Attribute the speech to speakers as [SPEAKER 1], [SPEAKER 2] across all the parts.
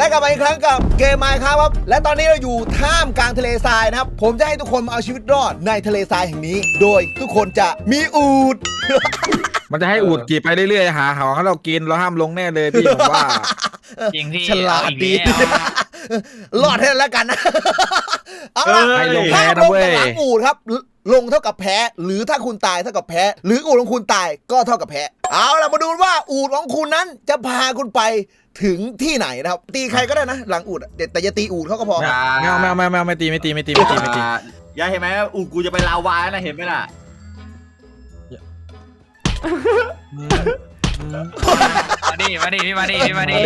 [SPEAKER 1] และกลับมาอีกครั้งกับเกม Minecraft ครับและตอนนี้เราอยู่ท่ามกลางทะเลทรายนะครับผมจะให้ทุกคนมาเอาชีวิตรอดในทะเลทรายแห่งนี้โดยทุกคนจะมีอูฐ
[SPEAKER 2] มันจะให้อูดกี่ไปเรื่อยๆหาของให้เรากินเราห้ามลงแน่เลยพี่ผมว่า
[SPEAKER 3] จริงพี่
[SPEAKER 1] ฉลาดดีรอดให้แล้วกันนะเอาล่ะ
[SPEAKER 2] ให้ลงแพ้
[SPEAKER 1] ถ้า
[SPEAKER 2] นะ
[SPEAKER 1] ลง
[SPEAKER 2] เว้
[SPEAKER 1] กับ
[SPEAKER 2] ย
[SPEAKER 1] หลังอูฐครับลงเท่ากับแพ้หรือถ้าคุณตายเท่ากับแพ้หรืออูฐของคุณตายก็เท่ากับแพ้เอาล่ะมาดูว่าอูฐของคุณนั้นจะพาคุณไปถึงที่ไหนนะครับตีใครก็ได้นะหลังอูฐแต่อย่าตีอูฐเขาก็พอ
[SPEAKER 2] ไม่ตีไม่ตี
[SPEAKER 4] ยายเห็นไหมอูกูจะไปลาวานะเห็นไหมล่ะ
[SPEAKER 3] มาดิพี่มาดิ
[SPEAKER 2] มาดิ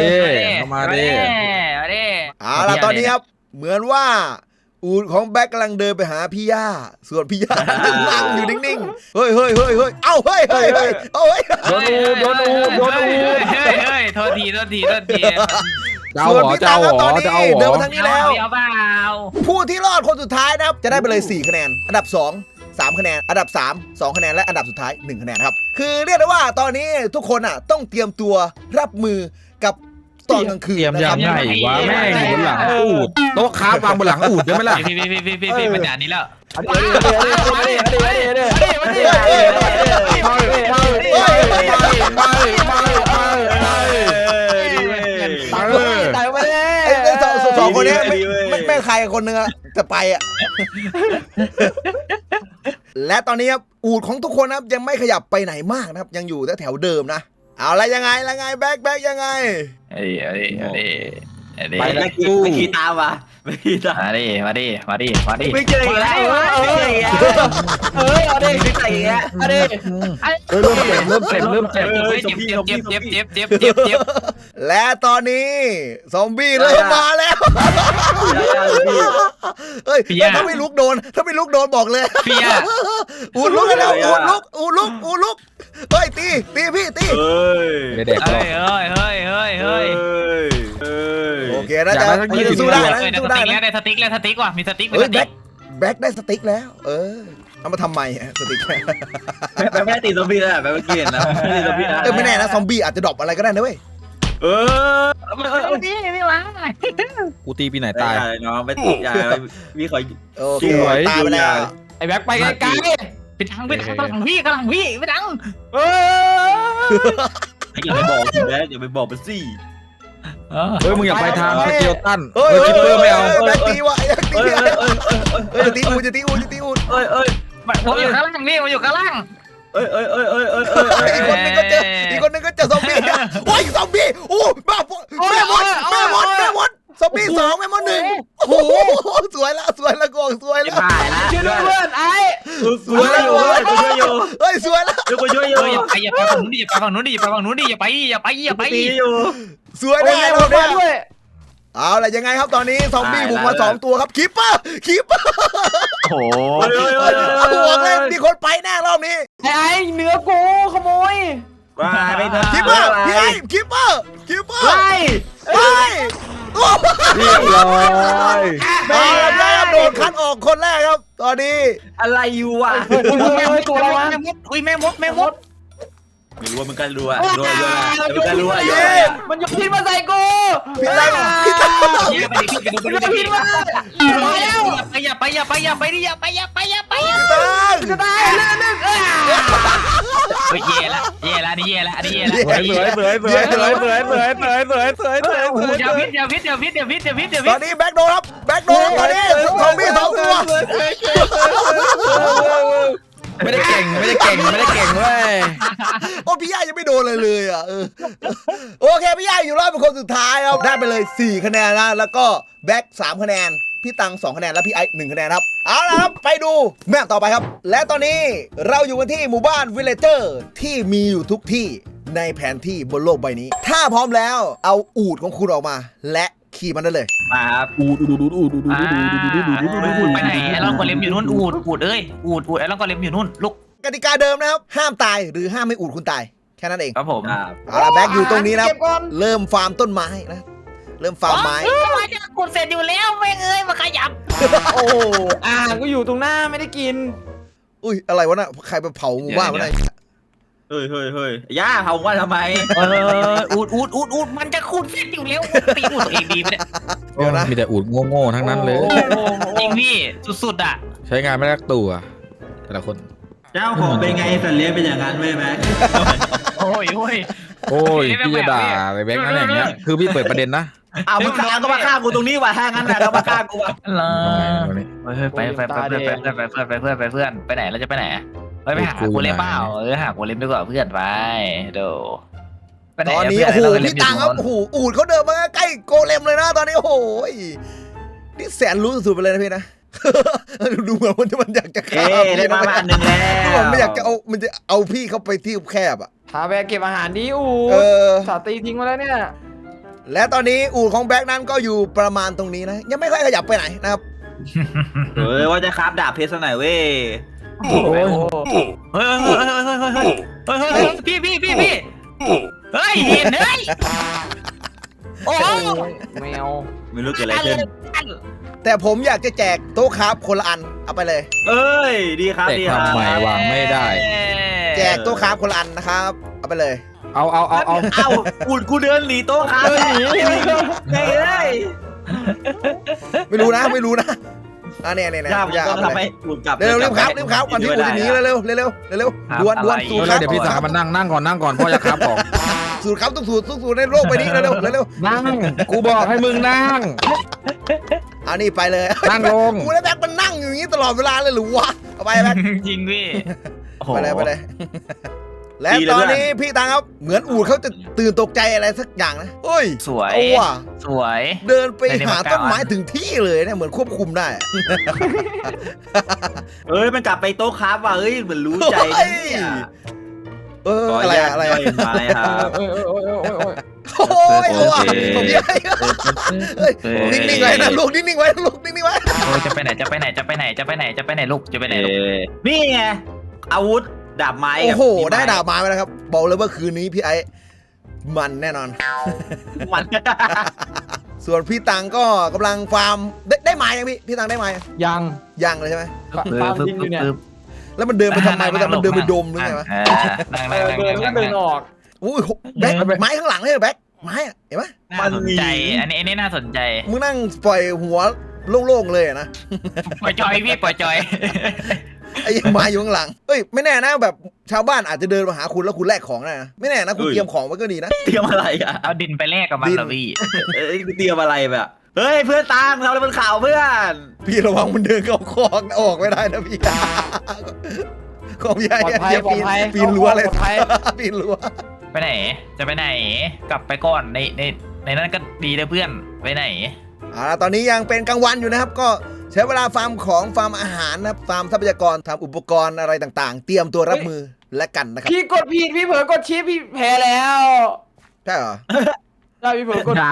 [SPEAKER 1] เอาล่ะตอนนี้ครับเหมือนว่าอูฐของแบ็คกำลังเดินไปหาพี่ย่าส่วนพี่ย่านั่งอยู่นิ่งๆเฮ้ยเอ้าเฮ้ยเอาเฮ้ย
[SPEAKER 2] โดนอูด
[SPEAKER 3] เฮ้ยโทษที
[SPEAKER 2] เจ้าหัว
[SPEAKER 1] ตอนนี้เดินมาทางนี้แล้ว
[SPEAKER 3] เอาเปล่า
[SPEAKER 1] ผู้ที่รอดคนสุดท้ายนะครับจะได้ไปเลย4คะแนนอันดับ2 3คะแนนอันดับ3 2คะแนนและอันดับสุดท้าย1คะแนนครับคือเรียกได้ว่าตอนนี้ทุกคนอ่ะต้องเตรียมตัวรับมือกับตอนกลางคืน
[SPEAKER 2] เตรียมยังไงวะแม่อยู่บนหลังอูดโต๊ะค้าวางบนหลังอูดได้ไหมล่ะ
[SPEAKER 3] พี่ปัญญานี้แล้ว
[SPEAKER 4] ตายไปเลย
[SPEAKER 1] สองคนนี้ไม่ใครคนนึงอะจะไปอ่ะและตอนนี้ครับอูฐของทุกคนนะครับยังไม่ขยับไปไหนมากนะครับยังอยู่แถวเดิมนะเอาละยังไงแบ็คยังไง
[SPEAKER 4] ไปไม่ขี่ตามว่ะไม่ขี่ตาม
[SPEAKER 3] มาดิ
[SPEAKER 4] ไม่เจออีกแล้วเอาดิไม่ใส่อีกแล้วเอาดิ
[SPEAKER 2] เริ่มเจ็บ
[SPEAKER 3] เจ็บ
[SPEAKER 1] และตอนนี้ซอมบี้เริ่มมาแล้วเฮ้ยถ้าไม่ลุกโดนบอกเลย
[SPEAKER 3] พี่อะ
[SPEAKER 1] อูดลุกแล้วอูดลุกเฮ้ยตีพี่ตี
[SPEAKER 2] เด็ก
[SPEAKER 3] เฮ้ย
[SPEAKER 1] โอเคนะจ๊ะสู้ได้นะสู้ได้นะ
[SPEAKER 3] ได้สติ๊กแล้วสติ๊กว่ะมีสติ๊ก
[SPEAKER 1] เฮ้ยแบ็คได้สติ๊กแล้วเอามาทำไมสติ๊ก
[SPEAKER 4] ไม่ได้ตีซอมบี้แล้วแบบเมื่อกี้นะไม่ได้ซอมบี้นะ
[SPEAKER 1] ไม่แน่นะซอมบี้อาจจะดรอปอะไรก็ได้นะเว้ย
[SPEAKER 3] ไม่วะ
[SPEAKER 2] กูตีปีไหนตาย
[SPEAKER 4] น้องไม่ติดยามีขอ
[SPEAKER 1] โอเคตายไปแล้ว
[SPEAKER 3] ไอ้แบ็คไปไกลไปทางกำลังพี่ไปทาง
[SPEAKER 4] อย่าไปบอกสิแบ๊อย่าไปบอกมันสิ
[SPEAKER 2] เฮ้ยมึงอย่าไปทางสเกลตัน
[SPEAKER 1] เฮ้ย
[SPEAKER 2] คิปเปอร์ไม่เอา
[SPEAKER 1] แบ็คตีว่ะจะตีอูด
[SPEAKER 3] ผมอยู่ข้างล่างนี่ผมอยู่ข้างล่าง
[SPEAKER 1] อีกคนนึงก็เจอซอมบี้โอ้ยซอมบี้โอ้บ้าแม่มดซอมบี้2แม่มด1โอ้โหสวยละกองสวยละ
[SPEAKER 4] หายละ
[SPEAKER 3] ช่วยด้วยเพื่อนไอ้
[SPEAKER 4] สวยละอยู่กูช่วยอยู่
[SPEAKER 1] เฮ้ยสวยละ
[SPEAKER 4] กูช่วยอยู่
[SPEAKER 3] อย่าไปฝั่งนู้นดิอย่าไปฝั่งนู้นดิอย่าไป
[SPEAKER 4] ตีอยู่
[SPEAKER 1] สวยแน่เราเนี่ยเอาล่ะยังไงครับตอนนี้ซอมบี้บุกมา2ตัวครับคีปเปอร์
[SPEAKER 4] โอ้
[SPEAKER 1] บอกเลยมีคนไปแน่รอบนี้
[SPEAKER 3] ไอ้เนื้อกูขโมย
[SPEAKER 4] ว่าไม่ทัน
[SPEAKER 1] คีปเปอร์พี่ไอ้คีปเปอร์ไป
[SPEAKER 2] เรียบร้อย
[SPEAKER 1] เอาละครับโดนคัดออกคนแรกครับตอนนี้
[SPEAKER 4] อะไรอยู่วะ
[SPEAKER 3] แม่มดตัวอะไรวะแม่มด
[SPEAKER 4] ไม่รู้ว่ามันกันรู้อะรู้มันกันรู้อะ
[SPEAKER 3] มันยกพินมาใส่กู
[SPEAKER 1] พี่ตั้ง
[SPEAKER 3] พินมาอย่าไปจะตายเล่นเย่ละนี่เย่ละ
[SPEAKER 2] สวย
[SPEAKER 3] อย่าพิษ
[SPEAKER 1] ตอนนี้แบ็คโดนครับตอนนี้ซอมบี้2ตัว
[SPEAKER 2] ไม่ได้เก่งเว้ย
[SPEAKER 1] โอ้พี่ย่ายังไม่โดนเลยอ่ะโอเคพี่ย่าอยู่รอบเป็นคนสุดท้ายครับได้ไปเลย4คะแนนนะแล้วก็แบ็ค3คะแนนพี่ตัง2คะแนนและพี่ไอ1คะแนนครับเอาละครับไปดูแมปต่อไปครับและตอนนี้เราอยู่กันที่หมู่บ้านวิลเลเจอร์ที่มีอยู่ทุกที่ในแผนที่บนโลกใบนี้ถ้าพร้อมแล้วเอาอูฐของคุณออกมาและขี่มันได้เลย
[SPEAKER 4] มาครับ
[SPEAKER 3] ไปไหนไอ้ลอนกอเลมอยู่นู่นอูดไอ้ลอนกอเลมอยู่นู่นลุก
[SPEAKER 1] กติกาเดิมนะครับห้ามตายหรือห้ามไม่อูฐคุณตายแค่นั้นเอง
[SPEAKER 3] ครับผม
[SPEAKER 1] เอาละแบ็คอยู่ตรงนี้นะเริ่มฟาร์มต้นไม้นะเริ่มฟาร์มไม้
[SPEAKER 3] กดเสร็จอยู่แล้วแม่งเอ้ยมาขยับ
[SPEAKER 5] โอ้ก็อยู่ตรงหน้าไม่ได้กิน
[SPEAKER 1] อุ้ยอะไรวะน่ะใครไปเผาหมู่บ้านวะน่ะ
[SPEAKER 4] เฮ้ยย่าเผาว่าทำไม
[SPEAKER 3] อูดมันจะคูดเส้นอยู่แล้วตีอูดตัวเองดีไหมเนี่ย
[SPEAKER 1] เดี๋ยวนะ
[SPEAKER 2] มีแต่อูดโง่ๆทั้งนั้นเลย
[SPEAKER 3] จริงพี่สุดๆอ่ะ
[SPEAKER 2] ใช้งานไม่รักตัวแต่ละคน
[SPEAKER 4] เจ้าของเป็นไงสัตว์เลี้ยงเป็นอย่างนั้นไหมแม็ก
[SPEAKER 3] โอ้ย
[SPEAKER 2] โอ้ยพี่จะด่าอะไรแบงค์นั่นอย่างเงี้ยคือพี่เปิดประเด็นนะ
[SPEAKER 4] อ้าวมึงฆ่าก็มาฆ่ากูตรงนี้ว่ะถ้างั้นนะก็มาฆ่ากูว่ะ
[SPEAKER 3] ไปเพื่อนไปไหนเราจะไปไหนไปหากูเล่นเปล่าหากูเล่นดีกว่าเพื่อนไปเดี๋ยว
[SPEAKER 1] ตอนนี้โอ้โหพี่ตังครับโอ้โหอูดเขาเดินมาใกล้โกเลมเลยนะตอนนี้โอ้โหนี่แสนรู้สุดๆไปเลยนะพี่นะ ดูเหมือนมันอยากจะฆ่า
[SPEAKER 4] ได้มาอันหนึ่งแล้ว
[SPEAKER 1] ดูเหมือนไม่อยากจะเอาพี่เข้าไปที่แคบอ่ะ
[SPEAKER 5] พาแบกเก็บอาหารดิอู สาตีทิ้งมาแล้วเนี่ย
[SPEAKER 1] และตอนนี้อูดของแบ็กนั้นก็อยู่ประมาณตรงนี้นะยังไม่ค่อยขยับไปไหนนะครับ
[SPEAKER 4] ว่าจะคราฟดาบเพชรซะหน่อยเว้ย
[SPEAKER 5] โอ้ย
[SPEAKER 3] เฮ้ยพี่เฮ้ยเห็นเฮ้ยโอ้
[SPEAKER 5] แมว
[SPEAKER 4] ไม่รู้เกิดอะไรขึ้น
[SPEAKER 1] แต่ผมอยากจะแจกโต๊ะครับคนละอันเอาไปเลย
[SPEAKER 4] เอ้ยดีครับ
[SPEAKER 2] แต่
[SPEAKER 4] ดีครับ
[SPEAKER 2] ทำไมวางไม่ได้
[SPEAKER 1] แจกโต๊ะครับคนละอันนะครับเอาไปเลย
[SPEAKER 2] เอา
[SPEAKER 4] เอ้าอุดกูเดินหนีโต๊ะครับหนีไงเอ้ย
[SPEAKER 1] ไม่รู้นะเนี่ย
[SPEAKER 4] ย่าผม
[SPEAKER 1] อย่า
[SPEAKER 4] ต้อ
[SPEAKER 1] เอา
[SPEAKER 4] ง
[SPEAKER 1] ไป
[SPEAKER 4] ทำ
[SPEAKER 1] เล
[SPEAKER 4] ให้
[SPEAKER 1] ย
[SPEAKER 4] อุดกลับ
[SPEAKER 1] เร็วครับก่อนที่อูดจะหนีเร็วด่วนสูตรค
[SPEAKER 2] แล้
[SPEAKER 1] รั
[SPEAKER 2] ว
[SPEAKER 1] บ
[SPEAKER 2] เดี๋ยวพี่สาวมันนั่งก่อนพ่อจะครับของ
[SPEAKER 1] สูตรครับต้องสูตรในโลกไปนี้เร็ว
[SPEAKER 2] นั่งกูบอกให้มึงนั่ง
[SPEAKER 1] เอานี่ไปเลย
[SPEAKER 2] นั่งลง
[SPEAKER 1] กูแล้วแบ็คมันนั่งอยู่อย่างนี้ตลอดเวลาเลยหรือวะเอาไปแบ็ค
[SPEAKER 3] จริงพี่
[SPEAKER 1] ไปเลยและตอนนี้พี่ตังครับเหมือนอูดเขาจะตื่นตกใจอะไรสักอย่างนะเฮ้ย
[SPEAKER 3] สวย
[SPEAKER 1] เอาว่ะ
[SPEAKER 3] สวย
[SPEAKER 1] เดินไปหาต้นไม้ถึงที่เลยเนี่ยเหมือนควบคุมได้
[SPEAKER 4] เอ้ยมันกลับไปโต๊ะครับว่ะเอ้ยเหมือนรู้ใจเนี่ย
[SPEAKER 1] อะไร
[SPEAKER 4] มาเลยครับ
[SPEAKER 5] โอ้ย
[SPEAKER 1] โอ้ยเอาว่ะผมยังไงนิ่งๆไว้นะลูกนิ่งๆไว้ลูกนิ่งๆไว้
[SPEAKER 3] โอ้จะไปไหนลูกจะไปไหนลูก
[SPEAKER 4] นี่ไงอาวุธดาบไม้
[SPEAKER 1] โอ้โหได้ดาบไม้ไปแล้วครับบอกเลยว่าคืนนี้พี่ไอ้มันแน่นอน
[SPEAKER 4] มัน
[SPEAKER 1] ส่วนพี่ตังก็กำลังฟาร์มได้ไม้ยังพี่ตังได้ไม้
[SPEAKER 5] ยัง
[SPEAKER 1] เลยใช่ไหม
[SPEAKER 5] ฟาร์มจริงอยู่เนี่ย
[SPEAKER 1] แล้วมันเดินไปทำไมมันเดินไปดมหรือไงวะ
[SPEAKER 5] เดินแล้วเดินออก
[SPEAKER 1] อุ้ยแบ็คไม้ข้างหลังเลยแบ็คไม้เห็นไหม
[SPEAKER 3] น่าสนใจอันนี้น่าสนใจ
[SPEAKER 1] มึงนั่งปล่อยหัวโล่งๆเลยนะ
[SPEAKER 3] ปล่อยจอยพี่ปล่อยจอย
[SPEAKER 1] ไอ้ไม้อยู่ข้างหลังเอ้ยไม่แน่นะแบบชาวบ้านอาจจะเดินมาหาคุณแล้วคุณแลกของได้นะไม่แน่นะคุณเตรียมของไว้ก็ดีนะ
[SPEAKER 4] เตรียมอะไรอ่ะ
[SPEAKER 3] เอาดินไปแลกกับมันเหรอพี่
[SPEAKER 4] เอ้ยเตรียมอะไรแบบเฮ้ยเพื่อนตามเราเลยบนข่าวเพื่อน
[SPEAKER 1] พี่ระวังมันเดินเข้าคอกออกไม่ได้นะพี่ของพี่ไอ้ปีนรั้วเลยปีนรั้ว
[SPEAKER 3] ไปไหนจะไปไหนกลับไปก่อนในนั้นก็ดีเลยเพื่อนไปไหน
[SPEAKER 1] ตอนนี้ยังเป็นกลางวันอยู่นะครับก็ใช้เวลาฟาร์มของฟาร์มอาหารนะครับฟาร์มทรัพยากรทำอุปกรณ์อะไรต่างๆ เตรียมตัวรับมือและกันนะครับ
[SPEAKER 5] พี่กดผิดพี่เผลอกดชิปพี่แพ้แล้ว
[SPEAKER 1] ใช่เหรอ
[SPEAKER 5] ได้พี่เผลอกด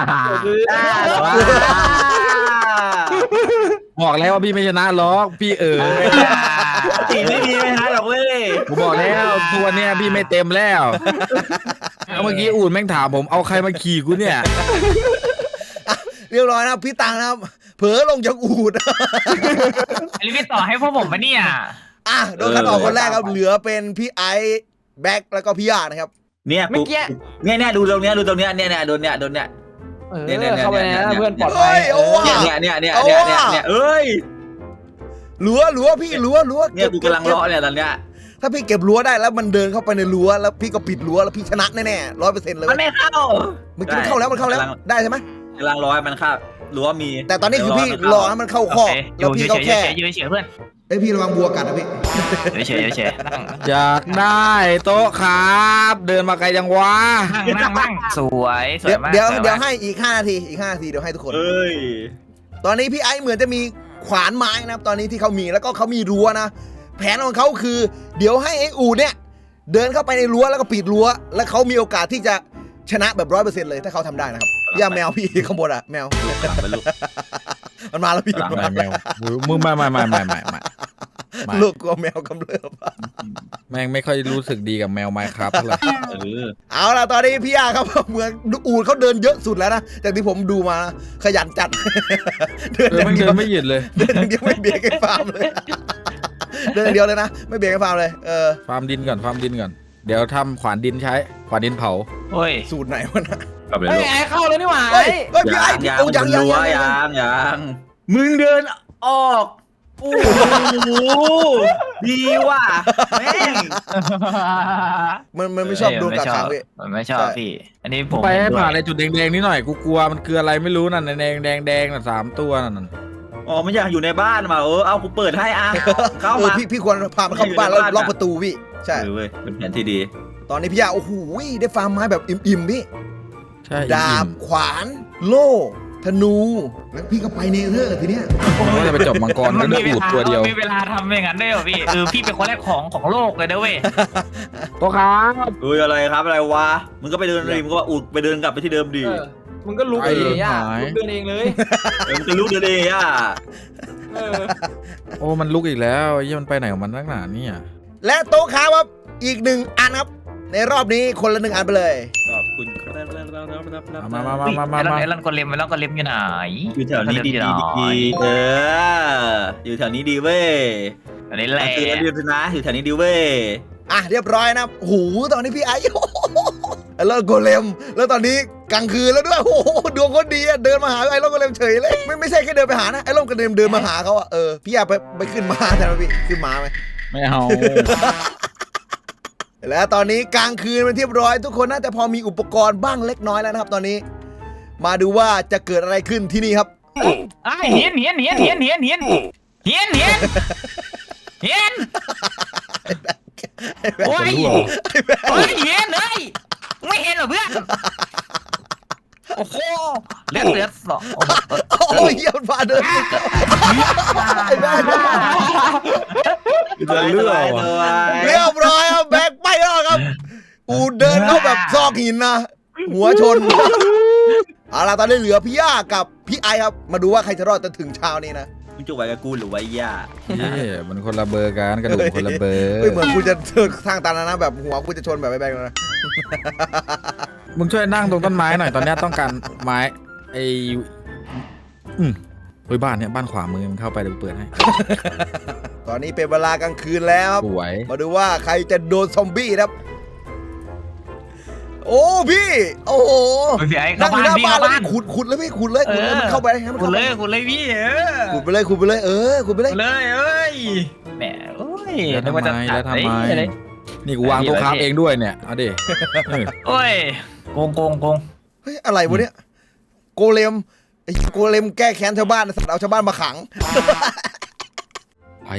[SPEAKER 2] บอกแล้วว่าพี่ไม่ชนะล็อกพี่
[SPEAKER 4] ตีไม่มีไหมฮะหรอกเว้ย
[SPEAKER 2] กูบอกแล้วทุกวันเนี้ยพี่ไม่เต็มแล้วเมื่อกี้อูดแม่งถามผมเอาใครมาขี่กูเนี่ย
[SPEAKER 1] เรียบร้อยนะครับพี่ตังนะครับเผลอลงจากอูด
[SPEAKER 3] อันนี้พี่ต่อให้พวกผมปะเนี่ย
[SPEAKER 1] โดนคัดออกคนแรกครับเหลือเป็นพี่ไอซ์แบ็คแล้วก็พี่ยานะครับ
[SPEAKER 4] เนี่ยปุ๊บเนี่ยดูตรงเนี้ยเนี่ยโดนเนี่ย
[SPEAKER 5] เข้าไปนะเพื่อนปลอดภัย
[SPEAKER 4] เนี่ยเอ้ย
[SPEAKER 1] รั้วพี่รั้ว
[SPEAKER 4] เนี่ยกูกำลังเลาะเนี่ยตอนเนี้ย
[SPEAKER 1] ถ้าพี่เก็บรั้วได้แล้วมันเดินเข้าไปในรั้วแล้วพี่ก็ปิดรั้วแล้วพี่ชนะแน่ๆ100%เลย
[SPEAKER 4] มันไม่เข้า
[SPEAKER 1] เมื่อกี้มันเข้าแล้วได้ใช่ไหม
[SPEAKER 4] กำลังรอให้มันเข้ารั้วมี
[SPEAKER 1] แต่ตอนนี้คือพี่รอให้มันเข้าคอกแล้วพี่ก็แค่
[SPEAKER 3] ยืนเฉยเพื่อน
[SPEAKER 1] พี่ระวังบัวกัดนะพี่
[SPEAKER 3] เฉยนั่ง
[SPEAKER 2] อยากได้โต๊ะครับเดินมาไกลจังวะ
[SPEAKER 3] นั่งสวยมาก
[SPEAKER 1] เดี๋ยวให้อีก5 นาทีเดี๋ยวให้ทุกคน
[SPEAKER 4] เอ้ย
[SPEAKER 1] ตอนนี้พี่ไอซ์เหมือนจะมีขวานไม้นะครับตอนนี้ที่เขามีแล้วก็เขามีรั้วนะแผนของเขาคือเดี๋ยวให้ไอ้อูดเนี่ยเดินเข้าไปในรั้วแล้วก็ปิดรั้วแล้วเขามีโอกาสที่จะชนะแบบ100%เลยถ้าเขาทำได้นะครับอย่าแมวพี่ข้างบนอะแมวมันมาแล้วพี่
[SPEAKER 2] แมวมึงไม่
[SPEAKER 1] ลูกกลัวแมวกำเริบ
[SPEAKER 2] แม่งไม่ค่อยรู้สึกดีกับแมวไมค์ครับเท่าไหร่
[SPEAKER 1] เอาล่ะตอนนี้พี่ยาครับเหมือนอูดเขาเดินเยอะสุดแล้วนะจากที่ผมดูมาขยันจัด
[SPEAKER 2] เดินไม่หยุดเลย
[SPEAKER 1] เดินอย่างเดียวไม่เบียดกันฟาร์มเลยเดินอย่างเดียวเลยนะไม่เบียดกันฟาร์มเลย
[SPEAKER 2] ฟาร์มดินก่อนเดี๋ยวทำขวานดินใช้ขวานดินเผา
[SPEAKER 3] โอ้ย
[SPEAKER 1] สูตรไหนวะนะ
[SPEAKER 4] กลับไป
[SPEAKER 5] เฮ้
[SPEAKER 4] ลู
[SPEAKER 5] ย
[SPEAKER 4] ก
[SPEAKER 5] ไอ้เข้าเลยนี่หว่า
[SPEAKER 1] เฮ้ยเฮ้ยพี่ไอ้
[SPEAKER 4] ยัง
[SPEAKER 1] โอ้ยัง
[SPEAKER 4] ยังมึงเดินออกโอ้โหดีว่ะแม่ง
[SPEAKER 1] มันไม่ชอบโดนกักขังพี่
[SPEAKER 3] มันไม่ชอบพี่ อันนี้ผม
[SPEAKER 2] ไปให้
[SPEAKER 3] ด้วย
[SPEAKER 2] ผ่านอะไรจุดแดงๆนิดหน่อยกูกลัวมันคืออะไรไม่รู้นั่นแดงน่ะ3 ตัวนั่น
[SPEAKER 4] อ๋อมันอยากอยู่ในบ้านมาเอากูเปิดให้เข้ามา
[SPEAKER 1] พี่ควรพามันเข้าบ้านแล้วล็อกประตูพี่ใช่
[SPEAKER 4] เว้ยเป็นแผนที่ดี
[SPEAKER 1] ตอนนี้พี่ยาโอ้โหได้ฟาร์มไม้แบบอิ่มๆพี่
[SPEAKER 2] ใช่
[SPEAKER 1] ดาบขวานโล่ธนูแล้วพี่ก็ไปเนเธอร์ทีเนี้ย
[SPEAKER 2] ผมว่าจะไปจบมังกร
[SPEAKER 3] มั
[SPEAKER 2] ก็
[SPEAKER 3] น
[SPEAKER 2] ได้
[SPEAKER 3] มี
[SPEAKER 2] อูดตัวเดียว
[SPEAKER 3] มีเวลาทำอย่างนั้นด้วยเหรอพี่พี่เป็นคนแรกของโลกเลยนะเว้ย
[SPEAKER 2] ตัวครับ
[SPEAKER 4] เฮ้ยอะไรครับอะไรวะมึงก็ไปเดินริมก็ว่าอุดไปเดินกลับไปที่เดิมดี
[SPEAKER 5] มึงก็ลุกเองอ่ะลุกเดินเองเลย
[SPEAKER 4] มึงจะลุกเดินเองอ่ะ
[SPEAKER 5] เออ
[SPEAKER 2] โอ้มันลุกอีกแล้วไอ้เหี้ยมันไปไหนของมันนักหนาเนี่ย
[SPEAKER 1] และโต๊ะค้าครับอีก1 อันครับในรอบนี้คนละ1 อันไปเลย
[SPEAKER 4] ขอบคุณครับ
[SPEAKER 2] มา
[SPEAKER 3] ไอ้ลันกอเลมอยู่ไหน
[SPEAKER 4] อยู่แถวนี้ดีอยู่แถวนี้ดีเว้ย
[SPEAKER 3] อันนี้แหละ
[SPEAKER 4] คือระเบียบนะอยู่แถวนี้ดีเว้ย
[SPEAKER 1] อ่ะเรียบร้อยนะโอ้โหตอนนี้พี่ไอ้แล้วโกเลมแล้วตอนนี้กลางคืนแล้วด้วยโอ้โหดวงคนดีอะเดินมาหาไอ้โกเลมเฉยเลยไม่ใช่แค่เดินไปหานะไอ้โกเลมเดินมาหาเขาอะพี่อยากไปขึ้นม้าแทนพี่ขึ้นม้าไหม
[SPEAKER 2] ไม่เอา
[SPEAKER 1] และตอนนี้กลางคืนเป็นที่เรียบร้อยทุกคนน่าจะพอมีอุปกรณ์บ้างเล็กน้อยแล้วนะครับตอนนี้ มาดูว่าจะเกิดอะไรขึ้นที่นี่ครับ
[SPEAKER 3] เฮียนโอ้ยโอ้ยเฮียนเลยไม่เห็นเหรอเพื่อนโอ้โหเลือดสอง
[SPEAKER 1] โอ้ยเยี่ยมฟ้าเดินไอ้แม่
[SPEAKER 4] จะเลือก
[SPEAKER 1] เรียบร้อยครับแบกไปแล้วครับอูเดินเข้าแบบซอกหินนะหัวชนเอาล่ะตอนนี้เหลือพี่ย่ากับพี่ไอครับมาดูว่าใครจะรอดจนถึงเช้านี้นะ
[SPEAKER 4] มึงจะไว้กับกูหรือไว้ย่า
[SPEAKER 2] นี่มันคนละเบอร์กันกระดูกคนละเบอร์
[SPEAKER 1] ไม่เหมือนกูจะเจอทางตันนะแบบหัวกูจะชนแบบไอ้แบงค์นะ
[SPEAKER 2] มึงช่วยนั่งตรงต้นไม้หน่อยตอนนี้ต้องการไม้ไอ้เฮ้ยบ้านเนี่ยบ้านขวามือมันเข้าไปเดี๋ยวเปิดให้
[SPEAKER 1] ตอนนี้เป็นเวลากลางคืนแล้วครับ
[SPEAKER 2] สวย
[SPEAKER 1] มาดูว่าใครจะโดนซอมบี้ครับโอ้พี่โอ้โห
[SPEAKER 3] พี่ไอ้
[SPEAKER 1] นั่
[SPEAKER 3] เข้าง
[SPEAKER 1] อยู่
[SPEAKER 3] บ้าน
[SPEAKER 1] หน้า
[SPEAKER 3] พี่
[SPEAKER 1] บ้าน
[SPEAKER 3] เข้า
[SPEAKER 1] แล้ว
[SPEAKER 3] บ้าน
[SPEAKER 1] ขุดเลยพี่ขุดเลยมันเข้าไปให้มัน
[SPEAKER 3] คุณ
[SPEAKER 1] เข้าไป
[SPEAKER 3] เลยพี่
[SPEAKER 1] ขุดไปเลยขุดไปเลยขุดไปเลย
[SPEAKER 3] เลยเอ้ยแหมโอ้ย
[SPEAKER 2] แล้วทำไมนี่กูวางตัวค้าเองด้วยเนี่ยเอาดิ
[SPEAKER 3] โอ้ยโกง
[SPEAKER 1] เฮ้ยอะไรวะเนี่ยโกเลมไอ้โกเลมแก้แค้นชาวบ้านสัตว์เอาชาวบ้านมาขัง
[SPEAKER 2] ไป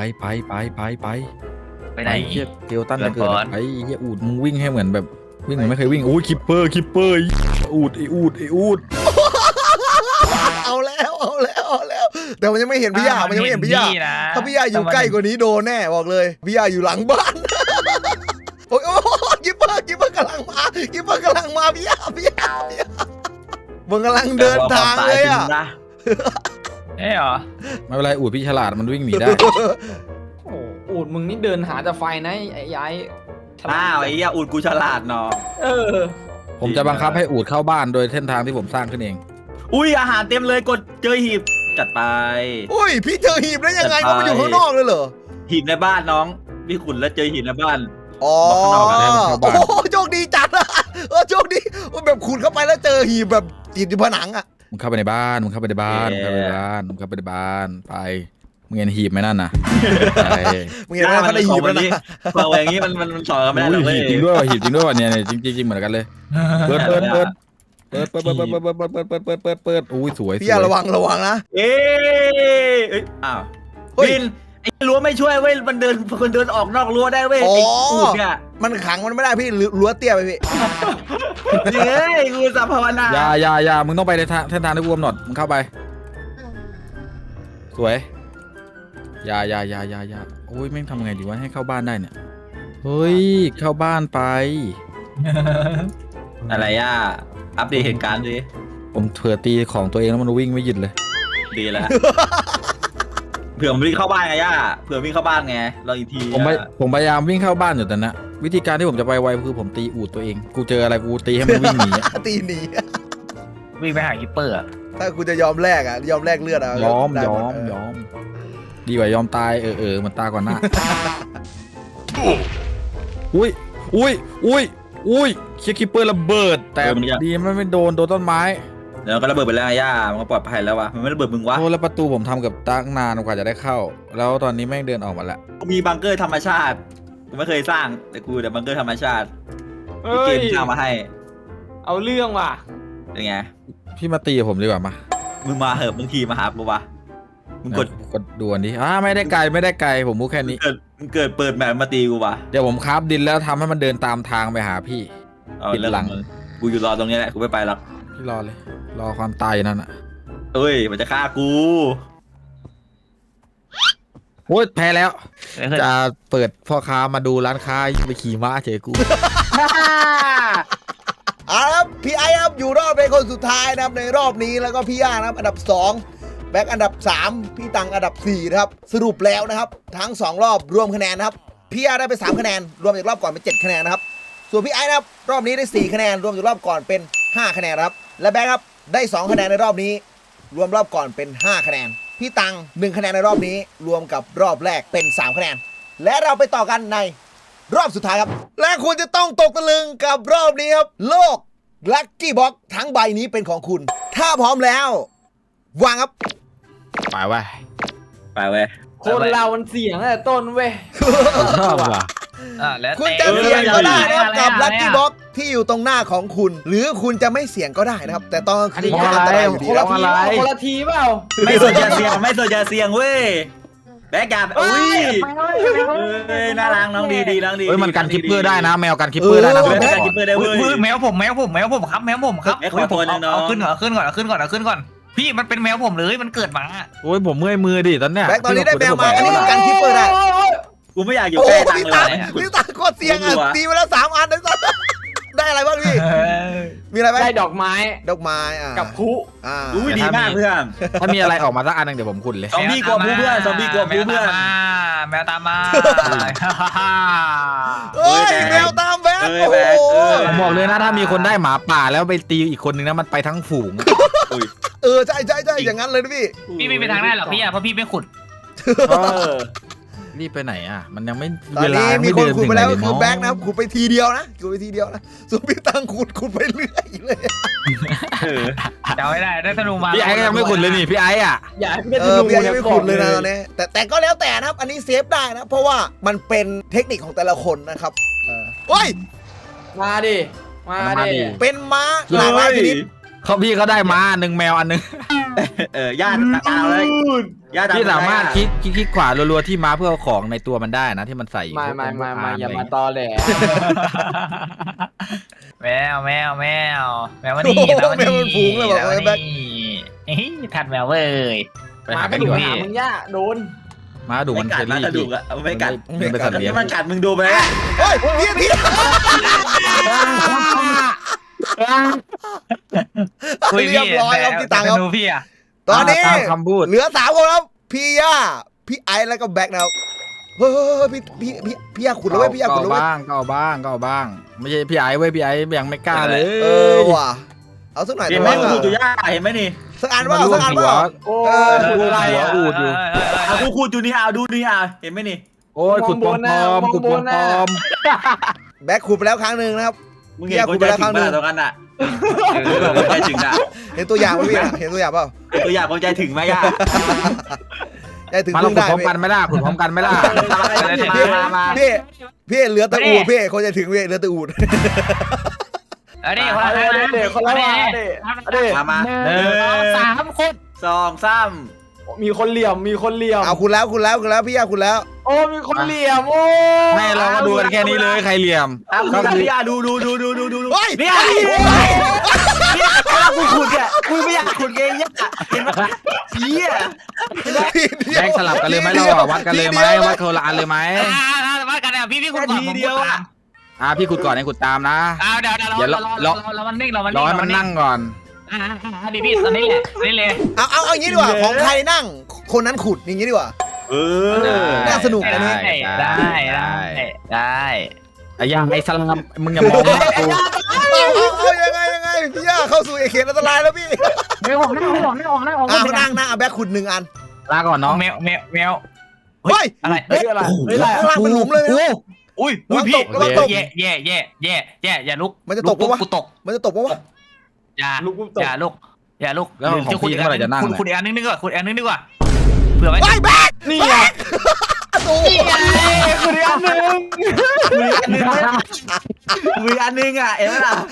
[SPEAKER 3] ไปไหน
[SPEAKER 2] เฮียเกลตันจะเกิดไอ้เฮียอูดมึงวิ่งให้เหมือนแบบวิ่งเหมือนไม่เคยวิ่งโอ้ยคิปเปอร์อูดไอ้อูด
[SPEAKER 1] เอาแล้วแต่มันยังไม่เห็นพี่ยามันยังไม่เห็นพี่ยาถ้าพี่ยาอยู่ใกล้กว่านี้โดนแน่บอกเลยพี่ยาอยู่หลังบ้านโอ้ยกิปเปอร์กำลังมาพี่ยามันกำลังเดินทางเลยอ่ะ
[SPEAKER 3] เอ้ยเหรอ
[SPEAKER 2] ไม่เป็นไรอูดพี่ฉลาดมันวิ่งหนีได้
[SPEAKER 5] โอ้อูดมึงนี่เดินหาแต่ไฟนะไอ้ย้าย
[SPEAKER 4] อ้าวไอ้ย่าอุดกูฉลาดเนาะ
[SPEAKER 5] เออ
[SPEAKER 2] ผมจะบังคับให้อูดเข้าบ้านโดยเส้นทางที่ผมสร้างขึ้นเอง
[SPEAKER 4] อุ้ยอาหารเต็มเลยกดเจอหีบจัดไป
[SPEAKER 1] อุ้ยพี่เจอหีบได้ยังไงก็มันอยู่ข้างนอกเลยเหรอ
[SPEAKER 4] หีบในบ้านน้องพี่ขุนแล้วเจอหีบในบ้าน
[SPEAKER 1] อ๋อโอ้โชคดีจัดอะโชคดีแบบขุดเข้าไปแล้วเจอหีบแบบติดอยู่ผนังอ่ะ
[SPEAKER 2] มึงเข้าไปในบ้านไปมึงเห็นหีบไหมนั่นน่ะไป
[SPEAKER 1] มึงเห็นไหมเขาได้หีบแล้วนะ
[SPEAKER 4] เราอย่างนี้มันสอนกันไม่ได้หรอกเว้ย
[SPEAKER 2] หีบจริงด้วยเนี่ยจริงเหมือนกันเลยเปิดอุ้ยสวย
[SPEAKER 1] พี่อย่าระวังนะ
[SPEAKER 4] เอ้ยอ้าวบินไอ้รั้วไม่ช่วยเว้ยมันคนเดินออกนอกรั้วได้เว้ยไอ้อูดเนี่ย
[SPEAKER 1] มันขังมันไม่ได้พี่รั้วเตี้ยไปพี่
[SPEAKER 4] เฮ้ยกูสัพพนา
[SPEAKER 2] อย่ามึงต้องไปในเส้นทางที่กูกำหนดมึงเข้าไปสวยอย่าโอ้ยแม่งทำไงดีวะให้เข้าบ้านได้เนี่ยเฮ้ยเข้าบ้านไป
[SPEAKER 4] อะไรย่าอัปเดตเหตุการณ์ดิ
[SPEAKER 2] ผมเผื่อตีของตัวเองแล้วมันวิ่งไม่หยุดเลย
[SPEAKER 4] ดีแล้วเผื่อมันวิ่งเข้าบ้านไงย่าเผื่อวิ่งเข้าบ้านไงรออีกที
[SPEAKER 2] ผมพยายามวิ่งเข้าบ้านอยู่แต่นะวิธีการที่ผมจะไปไวคือผมตีอูดตัวเองกูเจออะไรกูตีให้มันวิ่งหนี
[SPEAKER 1] ตีหนี
[SPEAKER 3] วิ่งไปหาคิปเปอร์
[SPEAKER 1] ถ้ากูจะยอมแลกอ่ะยอมแลกเลือดอ่ะ
[SPEAKER 2] ยอมดีกว่ายอมตายมันตายก่อนหน้าอุ้ยอุ้ยเคียร์คิปเปอร์ระเบิดแต่ดีไม่โดนต้นไม้
[SPEAKER 4] เดี๋ยวก็ระเบิดไปแล้วย่ามันก็ปลอดภัยแล้ววะมันไม่ระเบิดมึงวะ
[SPEAKER 2] โอ้แล้วประตูผมทำกับตั้งนานกว่าจะได้เข้า แล้วตอนนี้แม่งเดินออกมาแล้ว
[SPEAKER 4] มีบังเกอร์ธรรมชาติกูไม่เคยสร้างแต่กูแต่บังเกอร์ธรรมชาติมี
[SPEAKER 5] เฮ้
[SPEAKER 4] เก
[SPEAKER 5] ย
[SPEAKER 4] มสร้างมาให้
[SPEAKER 5] เอาเรื่องว่ะ
[SPEAKER 4] เป็นไง
[SPEAKER 2] พี่มาตีกับผมดีกว่ามา
[SPEAKER 4] มึงมาเหอะบางทีมาหากูวะมึงกด
[SPEAKER 2] ดูอันนี้ไม่ได้ไกลผมพูดแค่นี้
[SPEAKER 4] มึงเกิดเปิดแมปมาตีกูวะ
[SPEAKER 2] เดี๋ยวผมคราฟดินแล้วทำให้มันเดินตามทางไปหาพี่
[SPEAKER 4] เอา
[SPEAKER 2] ปิด
[SPEAKER 4] เรื่อง
[SPEAKER 2] หลัง
[SPEAKER 4] มึงกูอยู่รอตรงนี้แหละกูไม่ไปหรอก
[SPEAKER 2] พี่รอเลย รอความตายอยู่นั่นอ่ะ
[SPEAKER 4] เอ้ยมันจะฆ่ากู
[SPEAKER 2] โอ้ยแพ้แล้ว
[SPEAKER 3] เฮ้ย
[SPEAKER 2] จะเปิดพ่อค้ามาดูร้านค้าไปขี่ม้าเฉยกู
[SPEAKER 1] เอาละครับพี่ไอ้ครับอยู่รอบเป็นคนสุดท้ายนะครับในรอบนี้แล้วก็พี่ย่านะครับอันดับ2แบ็คอันดับ3พี่ตังอันดับ4นะครับสรุปแล้วนะครับทั้ง2รอบรวมคะแนนนะครับพี่ย่าได้ไป3คะแนนรวมจากรอบก่อนเป็น7คะแนนนะครับส่วนพี่ไอ้นะครับรอบนี้ได้4คะแนนรวมจากรอบก่อนเป็น5คะแนนนะครับและแบ็คครับได้2คะแนนในรอบนี้ รวมรอบก่อนเป็น5คะแนนพี่ตัง1คะแนนในรอบนี้รวมกับรอบแรกเป็น3คะแนนและเราไปต่อกันในรอบสุดท้ายครับและคุณจะต้องตกตะลึงกับรอบนี้ครับโลกลัคกี้บ็อกทั้งใบนี้เป็นของคุณถ้าพร้อมแล้ววางครับ
[SPEAKER 2] ไปไว้
[SPEAKER 4] ไปเว้ย
[SPEAKER 5] คนเรามันเสี่ยงตั้งแต่ต้นเว้ย
[SPEAKER 2] ชอบว่ะ
[SPEAKER 3] แล้ว
[SPEAKER 1] คุณ
[SPEAKER 3] แต่
[SPEAKER 1] จะเสี่ยงก็ได้นะครับกับ
[SPEAKER 3] อะไร
[SPEAKER 1] ลัคกี้บ็อกที่อยู่ตรงหน้าของคุณ หรือคุณจะไม่เสี่ยงก็ได้นะครับ แต่ตอนคืนก็อันตรายอยู่ดี
[SPEAKER 5] คน
[SPEAKER 1] ค
[SPEAKER 5] ละ
[SPEAKER 1] รับ
[SPEAKER 5] ทีคนละทีเปล่า
[SPEAKER 4] ไม่สนใจเสียงไม่สนใจเสียงเว้ยแบกกาอุ้ยเอ้ยน่ารักน้องดีน้องดี
[SPEAKER 2] เฮ้ยมันกันคิปเปอร์ได้นะ แมวกันคิปเปอร์ได้นะ
[SPEAKER 4] แบกกาคิปเปอร์ได้เว้ย
[SPEAKER 3] แมวผมครับแมวผมครับ
[SPEAKER 4] แมวขอตัวหนึ่งน้อง
[SPEAKER 3] เอาขึ้นก่อนพี่มันเป็นแมวผมเลยมันเกิดมา
[SPEAKER 2] โอ้ยผมเมื่อยมือดิตอนเนี้ย
[SPEAKER 1] แบ็คตอนนี้ได้แมวมาอันนี้กันคิปเปอร์ได้
[SPEAKER 4] กูไม่อยากอยู่
[SPEAKER 1] โอ้
[SPEAKER 4] ใกล้
[SPEAKER 1] โห
[SPEAKER 4] ตัง
[SPEAKER 1] พี่
[SPEAKER 4] เล
[SPEAKER 1] ตัง
[SPEAKER 4] ย
[SPEAKER 1] พี่ตังโคตรเสี่ยงอ่ะตีมาแล้ว3 อันนะได้อะไรบ้างพี่มีอะไรบ้าง
[SPEAKER 5] ได้ดอกไม้
[SPEAKER 1] ดอกไม้
[SPEAKER 5] กับคุ
[SPEAKER 4] อุ้ยดีมากเพื่อน
[SPEAKER 2] ถ้ามีอะไรออกมาสักอันนึงเดี๋ยวผมขุดเลย
[SPEAKER 4] ซอมบี้กลัวผู้เพื่อนซอมบี้กลัวผู้เพื่อน
[SPEAKER 3] แมวตามมา
[SPEAKER 1] เฮ้ยแมวตามแบ็คโอ้โห
[SPEAKER 2] ผมบอกเลยนะถ้ามีคนได้หมาป่าแล้วไปตีอีกคนนึงนะมันไปทั้งฝูง
[SPEAKER 1] ใช่อย่างนั้นเลยนะพี่
[SPEAKER 3] พี่ไม่ไปทางได้หรอกพี่เพราะพี่ไม่ขุด
[SPEAKER 2] รีบไปไหนอ่ะมันยังไม่
[SPEAKER 1] ตอนนี้มีคนขุดไปแล้วคือแบ็คนะครับขุดไปทีเดียวนะขุดไปทีเดียวนะส่วนพี่ตังขุดไปเรื่อยเลย
[SPEAKER 3] เดาไม่ได้ได้ธนูมา
[SPEAKER 2] พี่ไอ้ก็ยังไม่ขุดเลยนี่พี่ไอ้อ่ะ
[SPEAKER 5] อย่าให้พี่
[SPEAKER 1] พี่ยังไม่ขุดเลยนะตอนนี้แต่ก็แล้วแต่นะครับอันนี้เซฟได้นะเพราะว่ามันเป็นเทคนิคของแต่ละคนนะครับเฮ้ย
[SPEAKER 5] มาดิมาดิ
[SPEAKER 1] เป็นม้าหลากหลายชนิด
[SPEAKER 2] เขาพี่เขาได้ม้าอันนึงแมวอันนึง
[SPEAKER 4] ญาติตามเลยญาติ
[SPEAKER 2] พี่สามารถคลิกขวารัวๆที่ม้าเพื่อเอาของในตัวมันได้นะที่มันใส่
[SPEAKER 5] มาอย่ามาตอแหล
[SPEAKER 3] แมวมานี่ทัดแมวเว้ย
[SPEAKER 5] มาก็อยู่หามึงย่าโดน
[SPEAKER 2] ม้าดู
[SPEAKER 4] ไม่
[SPEAKER 2] มัน
[SPEAKER 4] กั
[SPEAKER 2] เค
[SPEAKER 4] ด
[SPEAKER 2] ล
[SPEAKER 4] นะ
[SPEAKER 2] ลี่
[SPEAKER 4] กระดูกอะไม่กัด
[SPEAKER 2] มันเป็นสัตว์เลี้ยง
[SPEAKER 4] มันกัดมึงดูไป
[SPEAKER 1] เฮ้ยพี่
[SPEAKER 3] คุย
[SPEAKER 1] เรียบร้อยครับพี่ตังครับ
[SPEAKER 3] นูพี่อะ
[SPEAKER 1] ตอนนี้
[SPEAKER 2] ตามคำพูด
[SPEAKER 1] เหลือ3 คนครับพี่ย่าพี่ไอซ์แล้วก็แบ็คนะครับเฮ้ยพี่ย่าขุดแล้วเว้ยพี่ย่าขุดแล้วเว้ย
[SPEAKER 2] ก็เอาบ้างไม่ใช่พี่ไอ้เว้ยพี่ไอ้ยังไม่กล้าเลย
[SPEAKER 1] ว่ะเอาสักหน่อย
[SPEAKER 4] เห็นไหมกูดูย่าเห็นไหมนี่
[SPEAKER 1] สักอันว่าสักอันว่า
[SPEAKER 5] โอ้
[SPEAKER 2] อะไรอ่ะอูดอยู่
[SPEAKER 4] กูคูดูนี่เอาดูนี่เอาเห็นไหมนี่
[SPEAKER 2] โอ้ยขุดปอมขุดปอม
[SPEAKER 1] แบ็คขุดไปแล้วครั้งหนึ่งนะครับ
[SPEAKER 4] มึงเห็นกูใจถึงตรงนั้นอ่ะใจถึงอ่ะ
[SPEAKER 1] เห็นตัวอย่างไหมพี่เห็นตัวอย่างเปล่า
[SPEAKER 4] ตัวอย่างกูใจถึงไหมย่า
[SPEAKER 1] ใจถึง
[SPEAKER 2] มาล
[SPEAKER 1] พึ่
[SPEAKER 2] อง
[SPEAKER 1] ง
[SPEAKER 2] ขุด
[SPEAKER 1] ได้
[SPEAKER 2] พร้อมกันไหมล่ะขุดพร้อมกันไหมล่ะ
[SPEAKER 1] พี่เหลือแต่อูดพี่คนจะถึงพี่เหลือแต่อูด
[SPEAKER 3] เดี๋ยวคนละ
[SPEAKER 4] มา
[SPEAKER 3] 3 คน
[SPEAKER 4] 2 3
[SPEAKER 5] มีคนเหลี่ยม
[SPEAKER 1] เอาคุณแล้วพี่ย่าคุณแล้ว
[SPEAKER 5] โอ้มีคนเหลี่ยมโอ้
[SPEAKER 2] ไม่เราก็ดูกันแค่นี้เลยใครเหลี่ยม
[SPEAKER 4] ก็คือย่าดู
[SPEAKER 1] เฮ้ย
[SPEAKER 4] เนี่ยกูขุดอ่ะกูไม่อยากขุดเองย่าเห็นไหมเหี้ย
[SPEAKER 2] แบ่งสลับกันเลยไหมเราวัดกันเลยไหมวัดคนละอันเลยไหม
[SPEAKER 3] ว่ากันนะพี่คุณก่อนผมเดียวอ่ะ
[SPEAKER 2] พี่ขุดก่อนให้ขุดตามนะ
[SPEAKER 3] เดี๋ยวเรามันนิ่ง
[SPEAKER 2] รอให้มันนั่งก่อน
[SPEAKER 3] ดีพี่ตอนนี้แหละนี่เลย
[SPEAKER 1] เอาอย่างนี้ดีกว่าของใครนั่งคนนั้นขุดอย่างนี้ดีกว่า น่าสนุกนะนี่
[SPEAKER 3] ได้
[SPEAKER 2] ไอ้ย่างไอ้สลัมมึงอย่ามองนะกู
[SPEAKER 1] เอายังไงพี่ย่าเข้าสู่เขตอันตรายแล้วพี่
[SPEAKER 3] ไม่ออก
[SPEAKER 1] นั่งแบ็คขุด1 อัน
[SPEAKER 2] ลาก่อนน้อง
[SPEAKER 3] แมว
[SPEAKER 1] เฮ้ย
[SPEAKER 3] อะไร
[SPEAKER 5] อะไร
[SPEAKER 1] ข้างล่างเป็นหลุมเลย
[SPEAKER 3] อุ้ย
[SPEAKER 1] ระวัง
[SPEAKER 3] พี่
[SPEAKER 1] ตกระวังตก
[SPEAKER 3] แย่อย่าลุก
[SPEAKER 1] มันจะตกปะวะ
[SPEAKER 3] กูตก
[SPEAKER 1] มันจะตกปะวะ
[SPEAKER 3] อย่า
[SPEAKER 5] ลูกกูตก
[SPEAKER 3] อย่าลุก
[SPEAKER 2] แล้วของพี่เมื่อไหร่จะนั่ง
[SPEAKER 3] คุณ
[SPEAKER 2] เนี่ย
[SPEAKER 3] คุณอีกอันนึงดีกว่าคุณอีกอันนึงดีกว่าเผื่อไว้
[SPEAKER 1] ไอ้แบก
[SPEAKER 2] นี่ไง
[SPEAKER 1] โอ้โห
[SPEAKER 4] คุณอีกอันหนึ่งคุณอีกอันหนึ่งอ่ะเห็นไหมล่ะ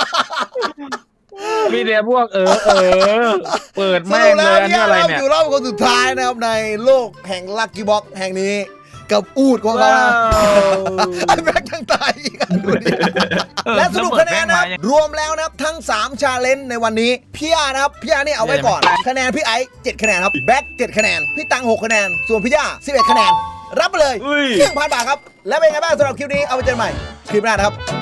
[SPEAKER 2] มีแต่พวกเปิด
[SPEAKER 1] ส
[SPEAKER 2] แม่
[SPEAKER 1] รุ
[SPEAKER 2] ง
[SPEAKER 1] ป
[SPEAKER 2] เล
[SPEAKER 1] แล้ว
[SPEAKER 2] ยอัน
[SPEAKER 1] พี่
[SPEAKER 2] นี้อะไร
[SPEAKER 1] เรา
[SPEAKER 2] เนี่ย
[SPEAKER 1] อยู่รอบคนสุดท้ายนะครับในโลกแห่งลัคกี้บ็อกแห่งนี้กับอูดของเขานะไอ้แบกยังตายอีกอ่ะดูดิ และสรุปคะแนนนะครับรวมแล้วนะครับทั้ง3ชาเลนจ์ในวันนี้พี่อานะครับพี่อานี่เอาไว้ก่อนคะแนนพี่ไอซ์7คะแนนครับแบ็ค7คะแนนพี่ตัง6คะแนนส่วนพี่ย่า11คะแนนรับไปเลย
[SPEAKER 4] อุ้ย
[SPEAKER 1] 1,000 บาทครับและเป็นไงบ้างสำหรับคลิปนี้เอาไปเจอกันใหม่คลิปหน้านะครับ